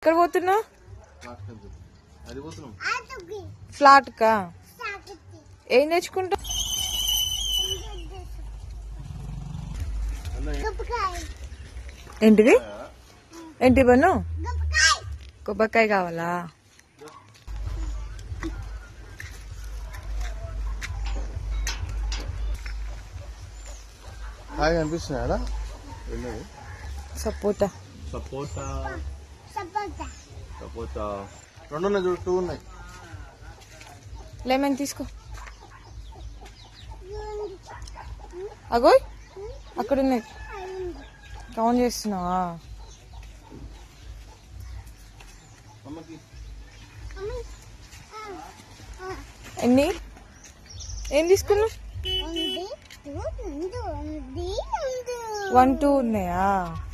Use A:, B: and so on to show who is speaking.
A: ఎక్కడ పోతున్నావు? ఫ్లాట్ కా? ఏం తెచ్చుకుంటా? ఏంటిది? ఏంటి బన్ను? కొబ్బరికాయ కావాలా?
B: కనిపిస్తున్నాయా?
A: సపోటా
B: సపోటా సపోటా 2 ఉన్నాయి చూడు, 2 ఉన్నాయి.
A: లెమన్ తీసుకో. అగోయ్ అక్కడ ఉన్నాయి. కౌంట్ చేస్తున్నావా? ఎన్ని? ఏం తీసుకున్నావు? 1 2 ఉన్నాయా?